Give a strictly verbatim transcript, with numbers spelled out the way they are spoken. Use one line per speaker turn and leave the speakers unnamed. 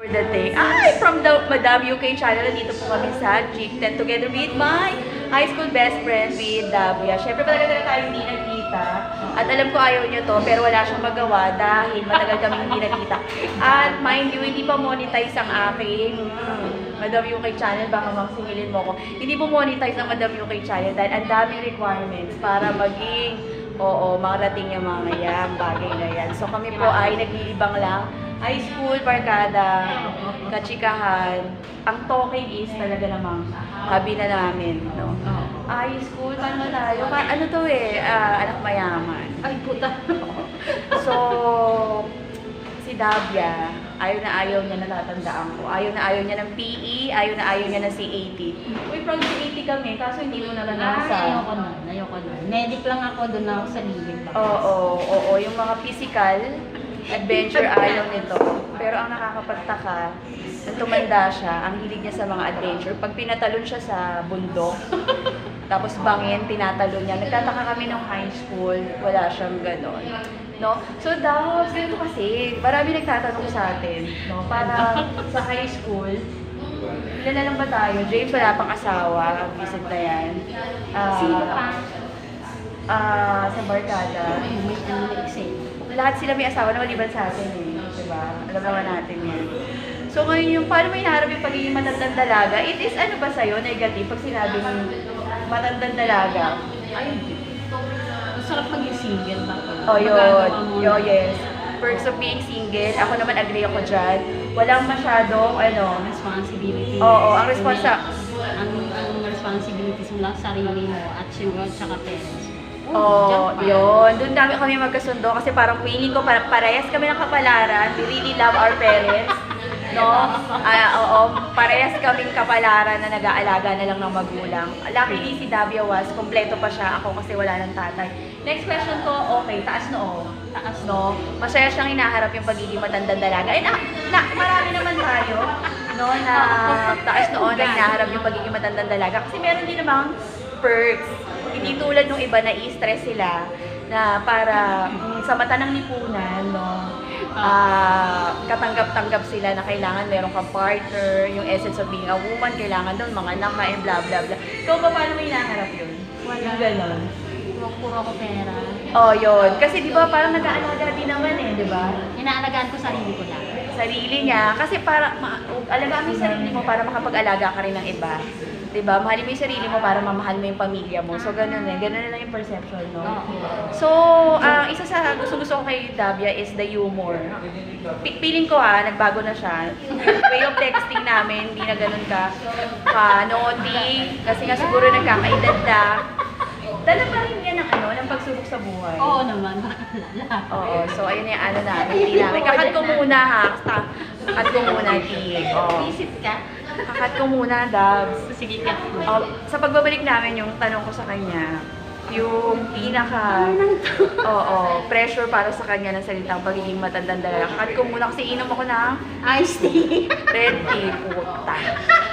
the day. Ay, from the Madam U K channel, dito po kami sa Chick ten together with my high school best friend with Davia. Siyempre, talaga talaga tayo hindi nagkita. At alam ko ayaw nyo to, pero wala siyang magawa dahil matagal kami hindi nagkita. At mind you, hindi pa monetize ang aking Madam U K channel, baka mangsingilin mo ko. Hindi po monetize ang Madam U K channel dahil ang daming requirements para maging, oo, makarating yung mga yan, bagay na yan. So kami po ay naglilibang lang. High school, barkada, kachikahan. Ang talking is talaga namang hobby na namin, no? High school, paano tayo? Pa, ano to eh, ah, anak mayaman.
Ay, puta.
So, si Davia, ayaw na ayaw niya, natatandaan ko. Ayaw na ayaw niya ng P E, ayaw na ayaw niya ng C A T. Uy, proud C A T kami, kaso hindi mo naman
Ay,
nasa.
ayoko na. Ayoko na. Medic lang ako, doon ako sa living ba?
Oo, oo, oo, yung mga physical adventure ayaw nito. Pero ang nakakapagtaka, nung tumanda siya, ang hilig niya sa mga adventure. Pag pinatalon siya sa bundok, tapos bangin, tinatalon niya. Nagtataka kami nung high school, wala siyang ganon. No? So, daw, ganito kasi, marami nagtatanong sa atin, no? Para sa high school, ilan na lang ba tayo? James, wala pang asawa, visit na yan. Ah,
Sino pa?
Ah, sa barkada.
Ay, may ano na exam.
Lahat sila may asawa na maliban sa atin eh. Diba? Alam naman natin yan. So ngayon yung paano mo hinaharap yung pagiging matandang dalaga, it is ano ba sa'yo, negative, pag sinabing matandang dalaga?
Ay, hindi. Ang sarap maging single ba?
Oh, yun.
Magagawa mo
Yo,
na.
yes. Perks of being single. Ako naman agree ako dyan. Walang masyadong, ano,
Responsibility.
Oo, ang responsa-
Ang, ang responsibilities mo lang sa sarili mo at yung at saka parents.
oh, yun. Doon dami kami magkasundo kasi parang feeling ko para parehas kami ng kapalaran. We really love our parents. No? Ah, oo, parehas kaming kapalaran na nag-aalaga na lang ng magulang. Luckily si Davia was, kompleto pa siya. Ako kasi wala ng tatay. Next question ko, okay, taas noo. Taas no. Masaya siyang hinaharap yung pagiging matandang dalaga. Eh, na, na, marami naman tayo, no, na taas noo na hinaharap yung pagiging matandang dalaga. Kasi meron din namang perks. Hindi tulad nung iba na i-stress sila na para mm, sa mata ng lipunan, no, ah, katanggap-tanggap sila na kailangan meron kang partner, yung essence of being a woman, kailangan doon mga anak ka, and blah blah blah. Ikaw ba, paano mo hinaharap yun?
Wala.
Yung ganon.
Puro ko pera.
Oh, yun. Kasi di ba parang nag-aalaga din naman eh, di ba?
Inaalagaan ko sarili ko lang.
Sarili niya. Kasi para, ma- alagaan mo yung sarili mo para makapag-alaga ka rin ng iba. Diba? Mahalin mo yung sarili mo para mamahal mo yung pamilya mo. So, ganun eh. Ganun na lang yung perception, no? So, ang isa sa gusto-gusto ko kay Davia is the humor. P- Feeling ko ha, nagbago na siya. Way of texting namin, hindi na ganun ka ka-naughty. Kasi nga siguro nagkakaedad na. Dala pa rin yan ng ano, ng pagsubok sa buhay.
Oo naman.
Oo, so ayun na yung ano namin, hindi namin. Kakat ko muna ha. Kakat ko muna, Tig. Oo.
Visit ka?
Kakat ko muna, Dabs.
Sige ka.
Oh, sa pagbabalik namin, yung tanong ko sa kanya, yung pinaka, oo, pressure para sa kanya ng salitang pagiging matandang dalaga. Kakat ko muna kasi inom ako ng
Iced tea.
red tea, puta.